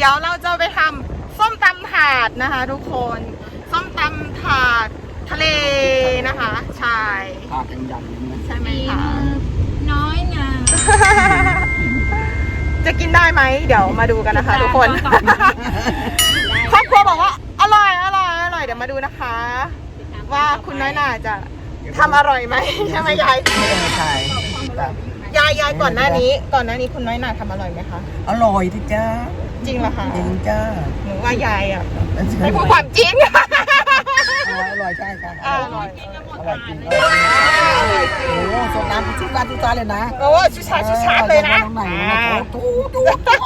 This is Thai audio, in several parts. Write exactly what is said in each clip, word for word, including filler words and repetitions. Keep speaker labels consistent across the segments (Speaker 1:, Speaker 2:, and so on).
Speaker 1: ยวเราจะไปทำส้มตำถาดนะคะทุกคนส้มตำถาดทะเลนะคะใช่
Speaker 2: ถาดใหญ่ๆ
Speaker 1: ใช่ไหมคะ
Speaker 3: น้อยงา
Speaker 1: จะกินได้ไหมเดี๋ยวมาดูกันนะคะทุกคนครอบครัวบอกว่าอร่อยอร่อยอร่อยเดี๋ยวมาดูนะคะ ว่าคุณน้อยน่าจะทำอร่อยไหมใช่ไหมยาย
Speaker 2: ใช่
Speaker 1: ยายยายก่อนหน้านี้ ก่อนหน้านี้คุณน้อยน่าทำอร่อยไหมคะ
Speaker 2: อร่อยที่จ้า
Speaker 1: จริงเหรอคะ
Speaker 2: จริงจ้า
Speaker 1: หนูว่ายายอ่ะไม่พูดความจริง
Speaker 2: อร่อยใช่ค่ะ
Speaker 1: อร่อย
Speaker 2: อร่อยจริงอร่อยจริงโอ้โซน้ำชุดร้านชุดร้านเลยนะ
Speaker 1: โอ้ชุดชาชุดชาเลยนะ
Speaker 2: จู๊จู๊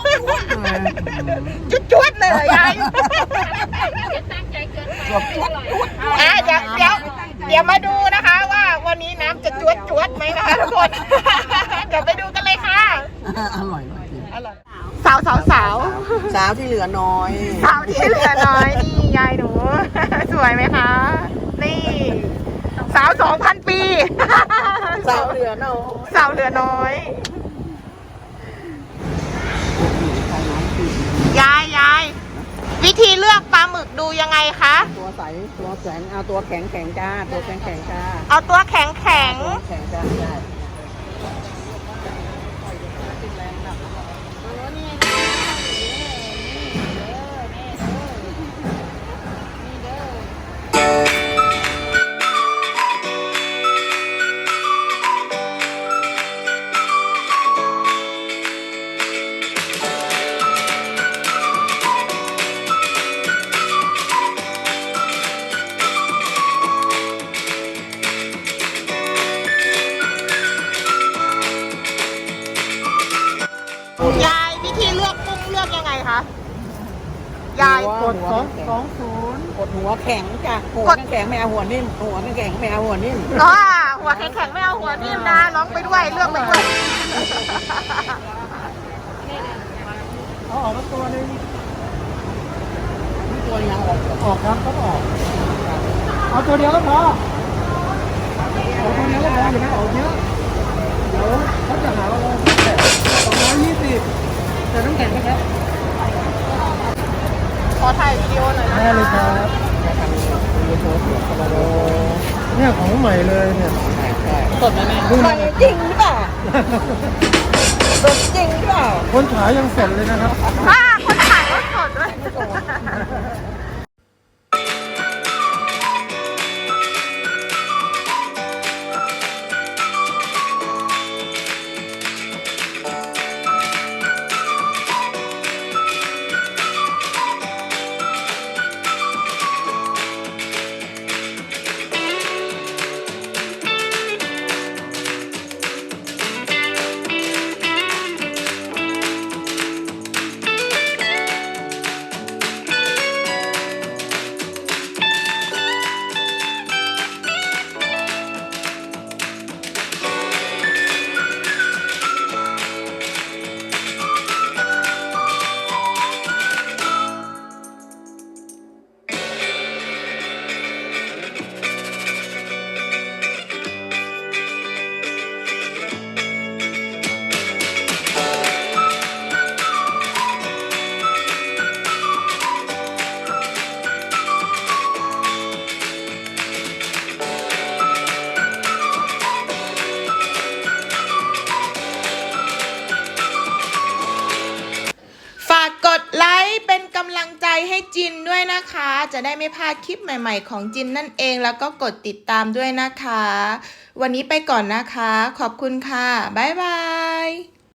Speaker 1: จุดจุดเลยยาย
Speaker 2: จวบจวบ
Speaker 1: อ่ะเดี๋ยวเดี๋ยวเดี๋ยวมาดูนะคะว่าวันนี้น้ำจะจวดจวดไหมนะคะทุกคนเดี๋ยวไปดูกันเลยค่ะ
Speaker 2: อร่อยจริง
Speaker 1: อร่อยสาวสาวสาว
Speaker 2: สาวที่เหลือน้อย
Speaker 1: สาวที่เหลือน้อยนี่ยายหนูสวยไหมคะนี่สาวสองพันปี
Speaker 2: สาวเหลือน้อย
Speaker 1: สาวเหลือน้อยยายยายวิธีเลือกปลาหมึกดูยังไงคะ
Speaker 2: ตัวใสตัวแข็งเอาตัวแข็งแข็งจ้าตัวแข็งแข็งจ้า
Speaker 1: เอาตัวแข็งแข็ง
Speaker 2: แข็งจ้าใช่
Speaker 1: ยายวิธีเลือกกุ้งเลือกยังไงคะยาย
Speaker 2: กดสองสองศูนย์กดหัวแข็งจ้ะหัวแข็งไม่เอาหัวนิ่มหัวแข็งไม่เอาหัวนิ่ม
Speaker 1: ก็หัวแข็งไม่เอาหัวนิ่มนะร้องไปด้วยเลือกไปด้วย
Speaker 2: เอาออกมาตัวนึงตัวยังออกออกครับก็ออกเอาตัวเดียวก็พอเอาตัวเดียวก็พออย่าไปออกเยอะเดี๋ยวเขาจะหาว่าเราสองร้อยยี่สิบแต่ต้องแข็งนะครับ
Speaker 1: ขอถ่ายวิดีโอหน่อยนะ
Speaker 2: ได้เลยครับเนี่ยของใหม่เลยเนี่ย
Speaker 1: สดไหมแม่
Speaker 2: ใหม่
Speaker 1: จริงหรือเปล่าสดจริงหรือเปล่า
Speaker 2: คนขายยังสดเลยนะครับ
Speaker 1: อ่าคนขายก็สดด้วยกดไลค์เป็นกำลังใจให้จินด้วยนะคะจะได้ไม่พลาดคลิปใหม่ๆของจินนั่นเองแล้วก็กดติดตามด้วยนะคะวันนี้ไปก่อนนะคะขอบคุณค่ะบ๊ายบาย